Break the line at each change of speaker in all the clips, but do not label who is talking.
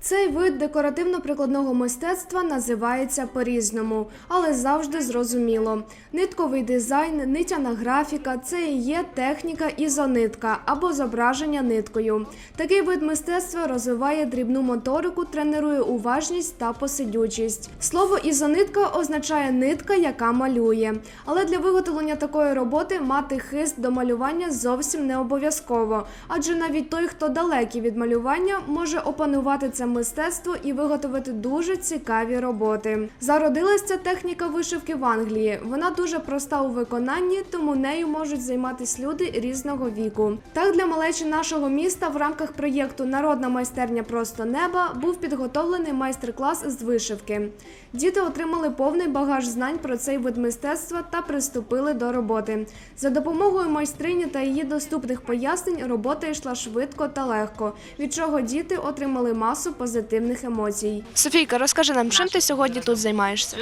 Цей вид декоративно-прикладного мистецтва називається по-різному, але завжди зрозуміло. Нитковий дизайн, нитяна графіка – це і є техніка ізонитка або зображення ниткою. Такий вид мистецтва розвиває дрібну моторику, тренує уважність та посидючість. Слово ізонитка означає нитка, яка малює. Але для виготовлення такої роботи мати хист до малювання зовсім не обов'язково, адже навіть той, хто далекий від малювання, може опанувати це мистецтво і виготовити дуже цікаві роботи. Зародилась ця техніка вишивки в Англії. Вона дуже проста у виконанні, тому нею можуть займатися люди різного віку. Так, для малечі нашого міста в рамках проєкту «Народна майстерня просто неба» був підготовлений майстер-клас з вишивки. Діти отримали повний багаж знань про цей вид мистецтва та приступили до роботи. За допомогою майстрині та її доступних пояснень робота йшла швидко та легко, від чого діти отримали масу позитивних емоцій. Софійка, розкажи нам, чим ти сьогодні тут займаєшся?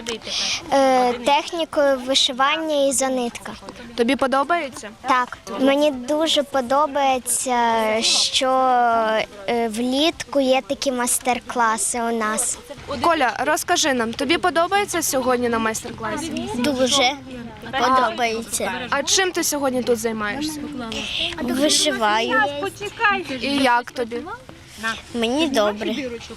Технікою вишивання ізонитка.
Тобі подобається?
Так, мені дуже подобається, що влітку є такі майстер-класи у нас.
Коля, розкажи нам, тобі подобається сьогодні на майстер-класі?
Дуже подобається.
А чим ти сьогодні тут займаєшся?
Вишиваю.
І як тобі?
Мені добре.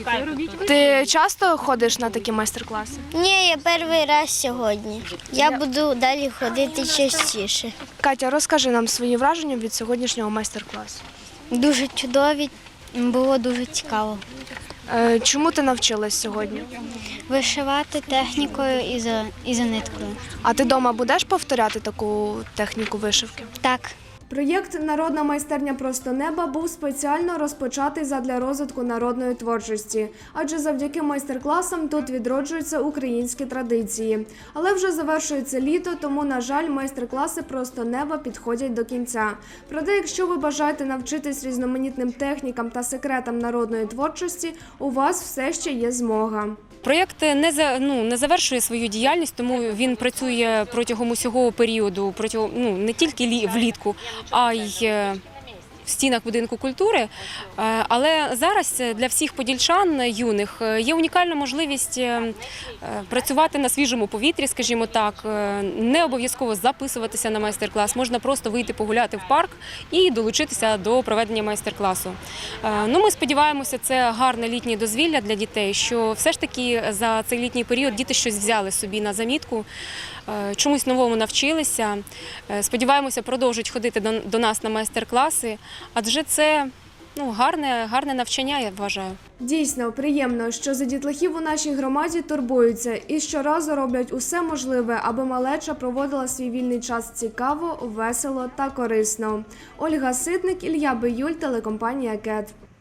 Ти часто ходиш на такі майстер-класи?
Ні, я перший раз сьогодні. Я буду далі ходити частіше.
Катя, розкажи нам свої враження від сьогоднішнього майстер-класу.
Дуже чудові, було дуже цікаво.
Чому ти навчилась сьогодні?
Вишивати технікою ізониткою.
А ти вдома будеш повторяти таку техніку вишивки?
Так.
Проєкт «Народна майстерня просто неба» був спеціально розпочатий задля розвитку народної творчості, адже завдяки майстер-класам тут відроджуються українські традиції. Але вже завершується літо, тому, на жаль, майстер-класи «Просто неба» підходять до кінця. Проте, якщо ви бажаєте навчитись різноманітним технікам та секретам народної творчості, у вас все ще є змога.
Проєкт не завершує свою діяльність, тому він працює протягом усього періоду, не тільки влітку, а й в стінах будинку культури. Але зараз для всіх подільчан юних є унікальна можливість працювати на свіжому повітрі, скажімо так, не обов'язково записуватися на майстер-клас, можна просто вийти погуляти в парк і долучитися до проведення майстер-класу. Ми сподіваємося, це гарне літнє дозвілля для дітей, що все ж таки за цей літній період діти щось взяли собі на замітку, чомусь новому навчилися. Сподіваємося, продовжують ходити до нас на майстер-класи, адже це гарне навчання, я вважаю.
Дійсно, приємно, що за дітлахів у нашій громаді турбуються і щоразу роблять усе можливе, аби малеча проводила свій вільний час цікаво, весело та корисно. Ольга Ситник, Ілля Биюль, телекомпанія «КЕТ».